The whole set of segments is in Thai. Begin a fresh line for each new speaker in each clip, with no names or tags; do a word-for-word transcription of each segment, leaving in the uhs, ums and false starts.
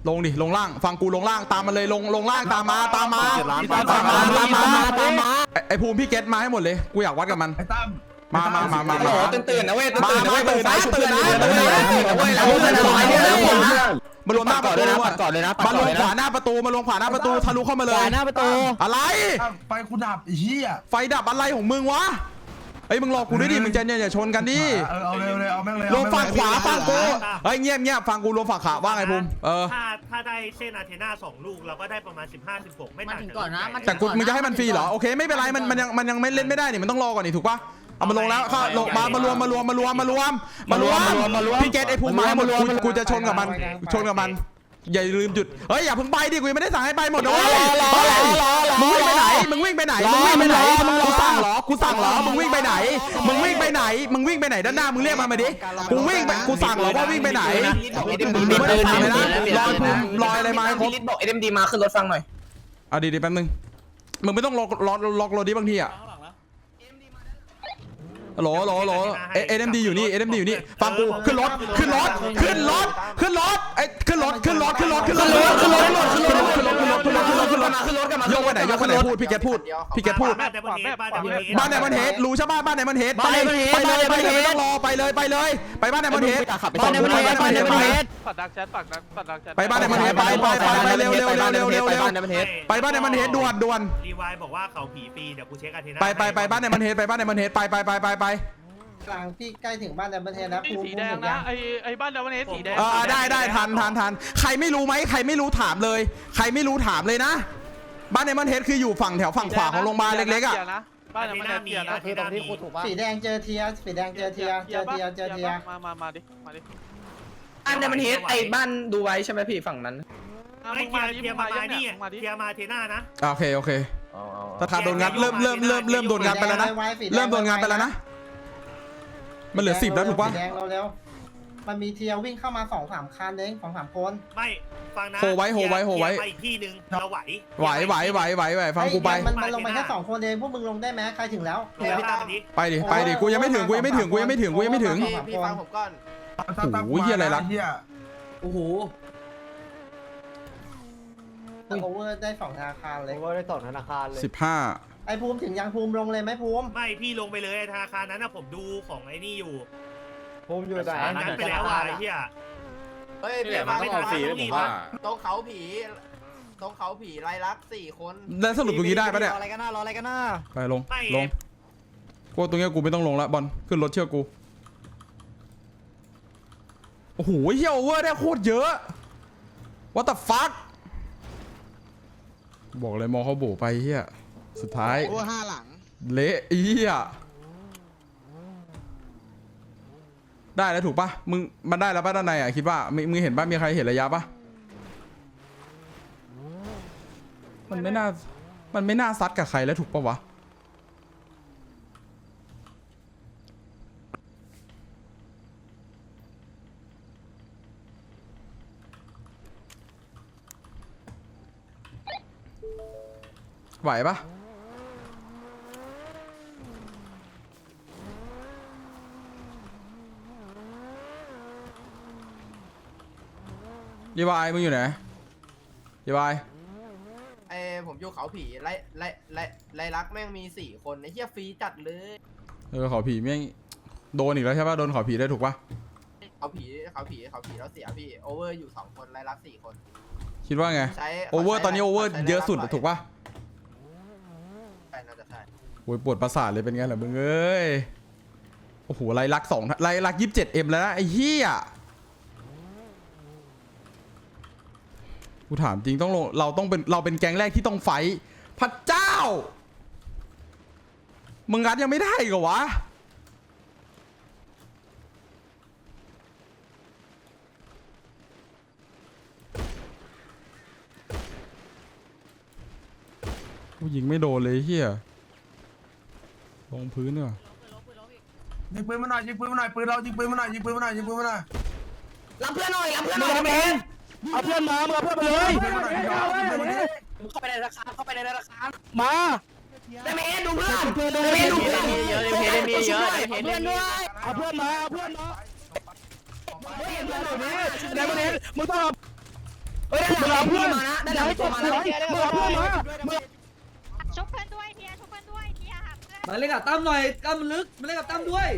ลงดิลงล่างฟังกูลงล่างตามมาเลยลงลงล่างตามมาตามมาตามมาตามมาตามมาไอภูมิพี่เกตมาให้หมดเลยกูอยากวัดกับมันมามามามามา
ตื่นตื่นนะเว้ยตื่น
มา
ตื่นนะ
มา
เว้ย
ตื่นนะตื่นนะตื่นนะมารวมหน้าประตูก่อนเลยนะมารวมขวาหน้าประตูมารวมขวาหน้าประตูทะลุเข้ามาเลย
หน้าประตู
อะไร
ไฟกูดับไอ้เหี้ย
ไฟดับอะไรของมึงวะเฮ้ยมึงรอกูด้วยดิมึงจะเนี่ยอย่าชนกันดิ
เอาเร็วเลยเอาแม่งเลย
รวมฝั่งขวาฝั่งกูเฮ้ยเงียบเงียบฟังกูรวมฝั่งขวาว่าไงภูมิเออ
ถ้าถ้าได้เส้นอาเทนาสองลูกเราก็ได้ประมาณสิบห้า สิบหกไม่ต่างกันก่อนนะ
แต่กูมึงจะให้มันฟรีเหรอโอเคไม่เป็นไรมันมันยังมันยังไม่เล่นไม่ได้นี่มันต้องรอก่อนนี่ถูกปะเอามาลงแล้วก็ลงมามารวมมารวมมารวมมารวมมารวมมารวมพี่เกตไอ้ภูมิมาให้หมดกูจะชนกับมันชนกับมันอย่าลืมจุดเฮ้ยอย่าเพิ่งไปดิกูยังไม่ได้สั่งให้ไปหมดนะเว้ยมึงวิ่งไปไหนมึงวิ่งไปไหนมึงวิ่งไปไหนกูสั่งเหรอกูสั่งเหรอมึงวิ่งไปไหนมึงวิ่งไปไหนมึงวิ่งไปไหนด้านหน้ามึงเรียกมามาดิกูวิ่งไปกูสั่งเหรอว่าวิ่งไปไหนมึงไม่ได้สั่งเลยนะลอยภูมิลอยอะไรมาให้ครบ
บอกเอ็มดีมาขึ้นรถฟังหน่อย
เอาดีๆแป๊บนึงมึงไม่ต้องล็อกล็อกล็อกรถดิบางทีอ่ะโหลโหลโหลเอ็มดีอยู่นี่เอ็มดีอยู่นี่ฟังกูขึ้นรถขึ้นรถขึ้นรถขึ้นรถไอ้ขึ้นรถขึ้นรถขึ้นรถขึ้นรถขึ้นรถขึ้นรถขึ้นรถขึ้นรถขึ้นรถขึ้นรถขึ้นรถขึ้นรถขึ้นรถกันมายกไปไหนยกไปไหนพูดพี่แกพูดพี่แกพูดบ้านไหนมันเฮดรู้ใช่ป่ะบ้านไหนมันเฮดไปไปเลยไปเลยไม่ต้องรอไปเลยไปเลยไปบ้านไหนมันเฮดบ้านไหนมันเฮดบ้านไหนมันเฮด
ปัดดักแชทปัดดักปัดดักแชท
ไปบ้านไหนมันเฮดไปไปไปไปเร็วเร็วเร็วเร็วเร็วเร็วไปบ้านไหนมันเฮดด่วนด่วน
รีวายบอกว่าเขาผีปีเดี๋ยวกูเช็คอาเทนา
ไปไปไปบ้านไหนมันเฮดไปบ้านไหนมันเฮดไปไปไปไปไป
กลางพี่ใกล้ถึงบ้านดับเบิลเทนแล้ว
สีแดงนะไอไอบ้านดับเบิลเทนสีแดง
เออได้ได้ทันทันทันใครไม่รู้ไหมใครไม่รู้ถามเลยใครไม่รู้ถามเลยนะบ้านในมันเฮดคืออยู่ฝั่งแถวฝั่งขวาของโรงพยาบาลเล็กๆอ่ะ
บ้านในมันเฮดมีนะ
คือตรงที่คูถูกป่ะสีแดงเจอเทียสีแดงเจอเทียเจอเทียเจอเทีย
มามามาดิมาดิ
บ้านในมันเฮดไอบ้านดูไว้ใช่ไหมพี่ฝั่งนั้น
ไม่เทียเทียมานี่เทียมาเทน่านะ
โอเคโอเคถ้าขาดโดนงัดเริ่มเริ่มเริ่มเริ่มโดนงัดไปแล้วนะเริ่มโดนงัดไปแล้วนะมันเหลือสิบแล้วถูกป่ะ
แดงเราเร็วมันมีเทียวิ่งเข้ามาสองสามคันเองสองสามคน
ไม่ฟังนะ
โฮไว้โฮไว้โฮไว้
อีกที่หนึ่งเราไหว
ไหวไหวไหวไหวไหวฟังกูไป
มันมันลงไปแค่สองคนเองพวกมึงลงได้ไหมใครถึงแล้ว
ไปดิไปดิกูยังไม่ถึงกูยังไม่ถึงกูยังไม่ถึงกูยังไม่ถึง
พี่ฟังผมก่อน
โอ้โหเฮียอะไรล่ะ
โอ้โห
โอเวอร์ได้สองธนาคารเลย
โอเวอร์ได้สองธนาคารเลย
สิบห้า
ไอภูมิถึงยังภูมิลงเลยไหมภูมิ
ไม่พี่ลงไปเลยธนาคารนั้นนะผมดูของไอ้นี่อยู่
ภูมิอยู่ไหน
นั้นไปแล้วไอ้เหี้ย
เฮ้ยพี่มาไม่ทันผมว่าตรงเขาผีตรงเขาผีไรลักสี่คน
แล้วสรุปตรงนี้ได้ปะเนี่ย
รออะไรกันหน้ารออะไรกันหน้า
ไปลงลงกูตรงนี้กูไม่ต้องลงแล้วบอลขึ้นรถเชื่อกูโอ้โหเฮียโอเวอร์ได้โคตรเยอะ What the fuck บอกเลยมองเขาโบไปเฮียสุดท้าย
โอ้ห้าหลัง
เละเฮียได้แล้วถูกปะมึงมันได้แล้วปะด้านในอ่ะคิดว่ามึงเห็นปะมีใครเห็นระยะปะมันไม่น่ามันไม่น่าซัดกับใครแล้วถูกปะวะไหวปะยีวายมึงอยู่ไหนยีวาย
ไอผมอยู่เขาผีไรไรไรไรลักแม่งมีสี่คนไอเหี้ยฟรีจัดเลย
เออเขาผีแม่งโดนอีกแล้วใช่ปะโดนเขาผีได้ถูกปะ
เขาผีเขาผีเขาผีแล้วเสียพี่โอเวอร์อยู่สองคนไรลักสี่คน
คิดว่าไงโอเวอร์ตอนนี้โอเวอร์เยอะสุดถูกปะ
ใช่น่าจะใช่
โอ้ยปวดประสาทเลยเป็นไงล่ะมึงเอ้ยโอ้โหไรลักสองไรลักยี่สิบเจ็ดเอ็มแล้วนะไอ้เหี้ยกูถามจริงต้องลงเราต้องเป็นเราเป็นแก๊งแรกที่ต้องไฟพระเจ้ามึงงัดยังไม่ได้เหรอวะกูยิงไม่โดนเลยเฮียลงพื้นเนอะ
ยิงปืนมาหน่อยยิงปืนมาหน่อยปืนเรายิงปืนมาหน่อยยิงปืนมาหน่อยยิงปืนมาหน่อย
รับเพื่อนหน่อยรับเพื่อนหน่อยเมน
เอาเพื่อนมาเอาเพื่อนมาเลย
เข้าไปในราคาเข้าไปในราคา
มา
เมนดูเพื่อนเมนดูเพื่อนเยอะเมนมีเยอะ
เพื่อนด้วยเอาเพื่อนมาเอาเพื่อนมาเดี๋ยวมึงมึงต้อง
เฮ้ยได้แล้วเพื่อนมานะได้แล้วตัวมาแล้ว
มึงเอาเพื่อนมา
ชุบเพื่อนด้วยเทียชุบเพื่อนด้วยเทียหาเพื่อน
มาเล่นกับตั้มหน่อยตั้มมันลึกมาเล่นกับตั้มด้วย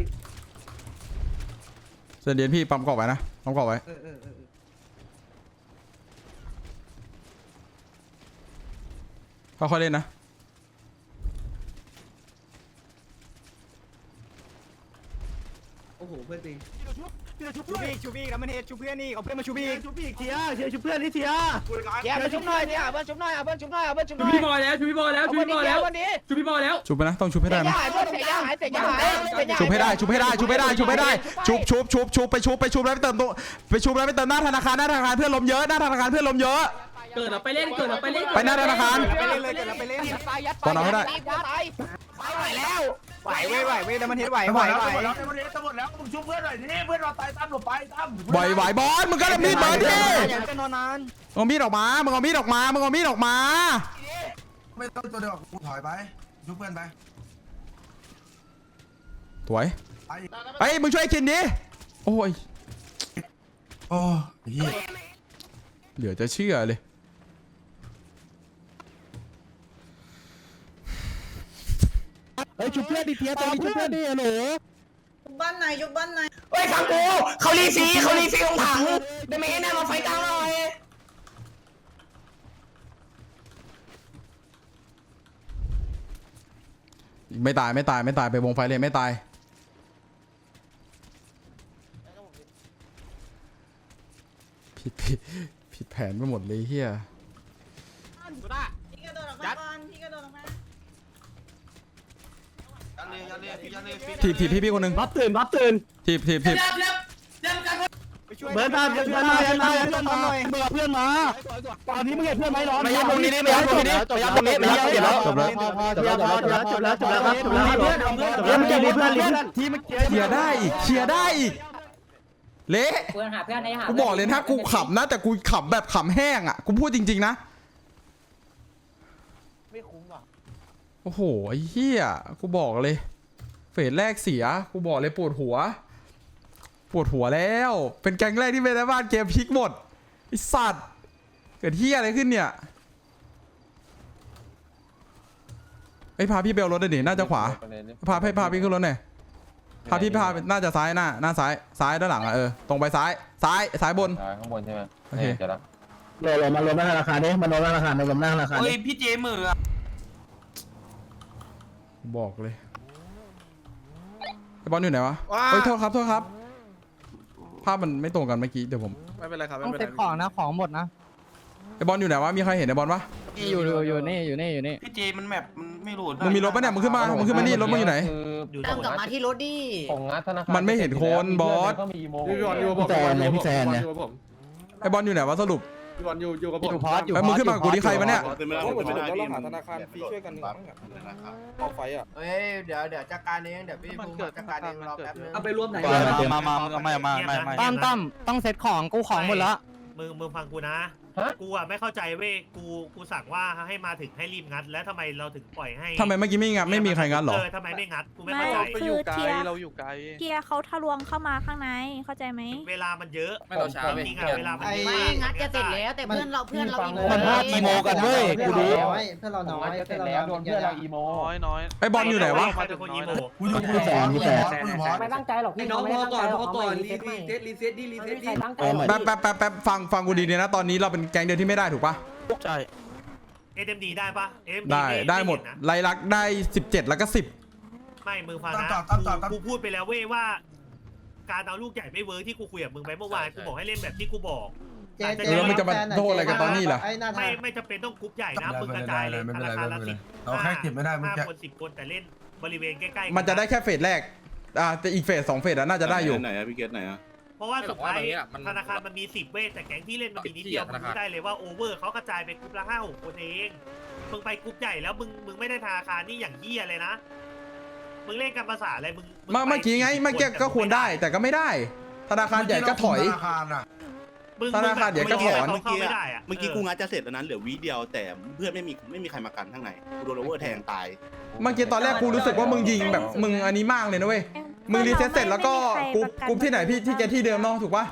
เส้นเดียนพี่ปั๊มกรอบไว้นะปั๊มกรอบไว้
เออเออเออ
ค่อยๆเล่นนะ
โอ้โหเพื่อนตี
ชูบีชูบีแล้วมันเฮดชูเพื่อนนี่เอาเพื่อนมาชูบี
ชุบอีกเทียเทียชุบเพื่อนนี่เทีย
แย่มาชุบหน่อยเนี่ยเพื่อนชุบหน่อยเอาเพื่อนชุบหน่อยเอาเพื่อนชุบห
ชู
น่อย
พี่บอยแล้วชูพี่บอยแล้วชูพี่บอยแล้วชูพี่บอยแล้ว
ชุบไปนะต้องชุบให้ได้นะ
หายเพื่อนเสียหายเสียหาย
ชุบให้ได้ชุบให้ได้ชุบให้ได้ชุบให้ได้ชุบชุบชุบชุบไปชุบไปชุบแล้วไปเติมตัวไปชุบแล้วไปเติมหน้าธนาคารหน้าธนาคารเพื่อนลมเยอะหน้าธนาคารเพื่อนลมเยอะ
เกิดเราไปเล่นเกิดเราไปเล่น
ไปหน้าธนาคาร
ไปเล่นเลยเกิดเราไปเล่นยัดไปยัดไป
ตอนเอาให้ได้
ไหวแล้วไหวเว้ยไหวเว้ยแล้วมันเฮดไหว
จะห
ไห
ม
ว
ดแล้ว
ไหว
จะหมดแล้วจะหมดแล้วจะหมดแล้วมึงชุบเพื่อนหน่อยนี่เพื่อนเราตายตามหลบไปตาม
ไหวไหวบอลมึงก็เอามีดมาดิ
อย่าเป็นนอนนาน
เอามีดออกมามึงเอามีดออกมามึงเอามีดออกมา
ไม่ต้องตัวเดียวกูถอยไปชุบเพื่อนไป
สวย
ไป
ไอ้ยมึงช่วยกินดิโอ้ย
โอ้ย
เหลือจะเชื่อเลย
เฮ้ยชุบเพื่อนดิเทียตรงนี้ชุบเพื่อนดิหนู
บ้านไหนยุบบ้านไหน
เฮ้ยฟังกูเขารีซีเขารีซีลงถังได้ไหมแน่มาไฟกลางหน่อย
ไม่ตายไม่ตายไม่ตายไปวงไฟเลยไม่ตายผิดผิดผิดแผนไปหมดเลยเฮีย
พี่กระโดดออกมาก่อนพี่กระโดดออกมา
ถีบถีบพี่พี่คนหนึ่ง
รับตื่นรับตื่น
ถีบถีบถีบ
เบิร์ดมาเบิร์ดมาเบิร์ดมาเบิร์ดมามึงเอาเพื่อนมาตอนนี้มึงเห็นเพื่อนไหมน้อง
ไม่ยัดตรงนี้ไม่ยัดตรงนี้ไม่ยัดตรงนี้ไม่ยัดเดี๋ยว
จบแล้ว
จบแล้วจบแล้วจบแล้วจบแล้วจบแล้วมึงเก็บเพื่อนเพื่อนที่เมื่อกี้
เคลียร์ได้อีกเคลียร์ได้อีกเละ
เพื่อนหาเพื่อนในหา
กูบอกเลยถ้ากูขำนะแต่กูขำแบบขำแห้งอ่ะกูพูดจริงๆนะ
ไม่คุ้มว่ะ
โอ้โหไอ้เหี้ยกูบอกเลยเฟสแรกเสียกูบอกเลยปวดหัวปวดหัวแล้วเป็นแก๊งแรกที่เป็นในบ้านเกมพลิกหมดไอ้สัตว์เกิดเหี้ยอะไรขึ้นเนี่ยไอ้ยพาพี่เบลรถหน่อยดิน่าจะขวาพาให้พาพี่ขึ้นรถหน่อยพาพี่พาน่าจะซ้ายหน้าหน้าซ้ายซ้ายด้านหลังอ่ะเออตรงไปซ้ายซ้ายซ้ายบน
ข้างบนใช่ไหม
โอเค
จะรับ
โหลมาลงหน้าธนาคารดิมาลงหน้าธนาคารมาลงหน้าธนาคาร
เฮ้ยพี่เจมืออะ
บอกเลยไอ้บอลอยู่ไหนวะเฮ้ยโทษครับโทษครับภาพมันไม่ตรงกันเมื่อกี้เดี๋ยวผม
ไม่เป็นไรครับไม่
ต้อง
เป็น
เซ็
ไร
ตของนะของหมดนะ
ไอ้บอลอยู่ไหนวะมีใครเห็นไอ้บอลปะ
อยู่อยู่อยู่นี่อยู่นี่อยู่นี่
พี่เจมันแมปมันไม่รู้
มึงมีรถปะเนี่ยมึงขึ้นมามึงขึ้นมานี่รถมึงอยู่ไหน
คือ
เติมกลับมาที่รถดิ
ของงัดธนาคาร
มันไม่เห็นคนบอส
ก็มีโม
พี่บอลอยู่กับผมพี่แซนเนี่ยพี่แซนเนี่ย
ไอ้บอลอยู่ไหนวะสรุป
พี่บอลอยู่อยู่กับผม
อยู่พอดอยู่
ไอ้มึงขึ้นมากับกูดิใครวะเนี่ย
เป็นเวลาผมไม่ได้เราหาธนาคารฟรีช่วยกันหนึ่งเอาไฟอ่ะ
เฮ้ยเดี๋ยวเดี๋ยวจัดการเองเดี๋ยวพี่ภูมิจัดการเองรอแป๊บนึง
เอาไปรวมไหน
มามาไม่ไม่ไม่ไม่
ตั้มตั้มต้องเซ็ตของกูของหมดแล้ว
มึงมึงฟังกูนะ กูอ่ะไม่เข้าใจเว้ย กู กูสั่งว่าให้มาถึงให้รีบงัด แล้วทำไมเราถึงปล่อยให้
ทำไมเมื่อกี้ไม่งัดไม่มีใครงัดหรอ
เออทำไมไม่งัด กูไม่เข้าใจ
ไม่
ไปอยู่ไกลเราอยู่ไกล
เทียเขาทะลวงเข้ามาข้างในเข้าใจไหม
เวลามันเยอะ
ไม่เราช้า
จริงๆอ่ะเวลามันเยอะ
ไม่งัดจะเสร็จแล้วแต่เพื่อนเราเพื่อนเราอีโม
มันพลาดอีโมกันเว้ยกูดู
น้อยเพื่อนเราน้อย
งัดจะ
เพื่
เส
อ
ร็
น
จ
เรา
แล้วโดนเพื่อนเราอีโม
น้อยน้อย
ไอ้บอลอยู่ไหนวะ
ใครเป็นคนอีโม
กูอยู่กูอยู่พอกูอยู่พอกูอยู่พอ
ไม่ตั้งใจหรอกพี่น้องพอก่อนพอก่อนรีรีเซ็ตรีเซ็ตดิรีเซ็ตดิ
แป๊บแป๊บแป๊บแป๊บฟังฟังกูดีเนี่ยนะตอนนี้เราเป็นแก๊งเดียวที่ไม่ได้ถูกปะ
ใช่
เอ็มดีได้ปะ เอ็ม
ได้ได้หมดไลลักษณ์ได้สิบเจ็ดแล้วก็สิบ
ไม่ มึงฟังนะ กูพูดไปแล้วเว้ยว่า การเอาลูกใหญ่ไม่เวิร์กที่กูคุยกับมึงไปเมื่อวาน กูบอกให้เล่นแบบที่กูบอก
เจ๊
เออมันจะมาโทษอะไรกันตอนนี้ล่ะ
ไอ้หน้า
ไม่
ทาง
ไม่จำเป็นต้องกรุ๊ปใหญ่นะ มึงกระจายเลยธนาคารละสิบ
เราแค่เก็บไม่ได้มึง
ห้า
แค่
คนสิบคนแต่เล่นบริเวณใกล้ๆ
มันจะได้แค่เฟสแรกอ่าแต่อีกเฟสสองเฟสอะน่าจะได้อยู่
ไหนอะพี่เกตไหนอะ
เพราะว่าสุดท้ายธนาคารมันมีสิบเว้ยแต่แก๊งที่เล่นมันมีนิดเดียวมึงรู้ได้เลยว่าโอเวอร์เขากระจายไปกรุ๊ปละห้าหกคนเอง มึงไปกรุ๊ปใหญ่แล้วมึงมึงไม่ได้ธนาคารนี่อย่างเหี้ยเลยนะ มึงเล่นกันภาษาอะไรมึง
เมื่อเมื่อกี้ไงเมื่อกี้ก็ควรได้แต่ก็ไม่ได้ ธนาคารใหญ่ก็ถอย
ธนาคารอ่ะ
มึง
ธนาคารเดี๋ยวก็ถอน
มึงเข้าไม่ได้อะ
เมื่อกี้กูงัดจะเสร็จแล้วนั้นเหลือวิเดียวแต่เพื่อนไม่มีไม่มีใครมากันข้างในกูโดนโอเวอร์แทงตาย
เมื่อกี้ตอนแรกกูรู้สึกว่ามึงยิงแบบมึงอันนี้มากเลยนะเว้ยมึงรีเซ็ตเสร็จแล้วก็กรุ๊ปกรุ๊ปที่ไหนพี่ที่แกที่เดิมเนาะถูกปะ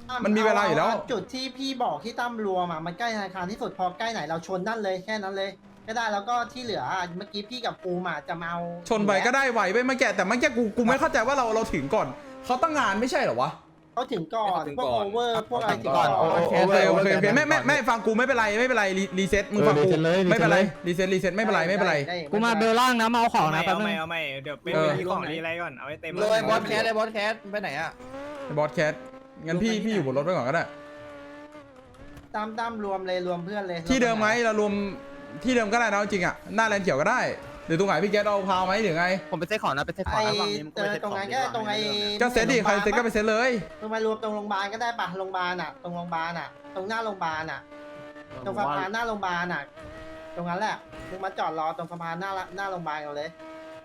มันมีเวลาอยู่แล้ว
จุดที่พี่บอกที่ตั้มรวมอ่ะมันใกล้ธนาคารที่สุดพอใกล้ไหนเราชนนั่นเลยแค่นั้นเลยก็ได้แล้วก็ที่เหลือเมื่อกี้พี่กับปูมาจะมาเอา
ชนไปก็ได้ไหวไปมาแกะแต่มันแกกูกูไม่เข้าใจว่าเราเราถึงก่อนเขาตั้งงานไม่ใช่เหรอวะ
เขาถึงก่อนพวกโอเวอร์พวกอะไรถึงก่อน
โอเคโอเคโอเคโอเคไม่ไม่ไม่ฟังกูไม่เป็นไรไม่เป็นไรรีเซ็ตมึงฟังกูไม่เป็นไรรีเซ็ตรีเซ็ตไม่เป็นไรไม่เป็นไร
กูมาเบลล่างนะมาเอาของนะแป๊บนึง
เอาไม่เดี๋ยวเป็นของรีอะไรก่อนเอาไว้เต็ม
เลยบอสแคสเลยบอสแคสไปไหนอ่ะ
บอสแคทงั้นพี่พี่อยู่บนรถไปก่อนก็ได้
ตั้มตั้มรวมเลยรวมเพื่อนเลย
ที่เดิมไหมเรารวมที่เดิมก็ได้นะจริงอ่ะหน้าแลนเขียวก็ได้หรือตรงไหนพี่แกเอาพาวไหมหรือไง
ผมไปเซ็ตของนะไปเซ็ตของ
ไอ้
นะฝั่งนี้
เจอตรงนั้นก็ตรงไอ้
ก็เซ็ตดิใครเซ็ตก็ไปเซ็ตเลย
มึงมารวมตรงโรงพยาบาลก็ได้ปะโรงพยาบาลอ่ะ ตรงโรงพยาบาลอ่ะ ตรงหน้าโรงพยาบาลอ่ะ ตรงสะพานหน้าโรงพยาบาลอ่ะ ตรงนั้นแหละมึงมาจอดรอตรงสะพานหน้าหน้าโรงพยาบาลกันเลย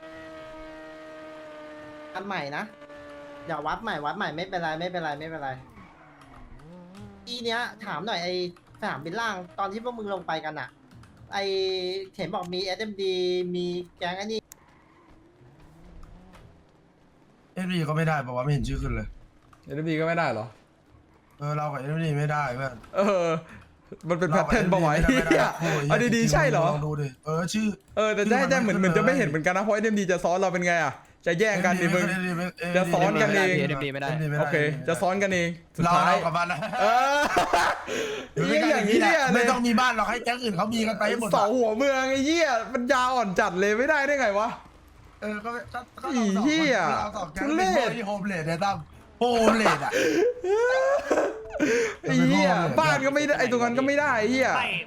อันใหม่นะอย่าวัดใหม่วัดใหม่ไม่เป็นไรไม่เป็นไรไม่เป็นไรทีเนี้ยถามหน่อยไอ้สนามบินล่างตอนที่พวกมึงลงไปกันอ่ะ ไอ้เห็นบอกมี เอส เอ็ม ดี มีแก๊งไอ้นี่
เอ็มดีก็ไม่ได้เพราะว่าไม่เห็นชื่อขึ้นเลย
เอ็นบีก็ไม่ได้เหรอ
เออเรากับเอ็มดีไม่ได้เพื่อน
เออมันเป็นแพทเทิร์นบ่อย
ไม่ได้ไม่ได้
เอาดีๆใช่เหรอ
ลองดูดิเออชื่อ
เออแต่ได้ได้เหมือนเหมือนจะไม่เห็นเหมือนกันนะเพราะเอ็นบีจะซ้อนเราเป็นไงอ่ะจะแย่งกันดิมึง จะซ้อนกันเอง
ไม่ได้
โอเคจะซ้อนกันเองสุด
เรา
ท้าย
เรากับมันนะ
เออเหี้ยอย่างนี้เนี่ยเล
ไม่
ย
ต้องมีบ้านหรอกให้แก๊งอื่นเขามีกันไปให้หมด
เสาหัวเมืองไอ้เหี้ยมันยาวอ่อนจัดเลยไม่ได้ได้ไงวะ
เออก็ก็ก็
อีเหี้ย
เราสองแก๊ง
ทุเร
เป็น
ศ
ที่โฮมเลดเนี่ยตั้มโฮมเลดอ่ะ
ไอ้เหี้ยบ้านก็ไม่ได้ไอ้ตรงนั้นก็ไม่ได้ไอ้เหี้ย
ไม่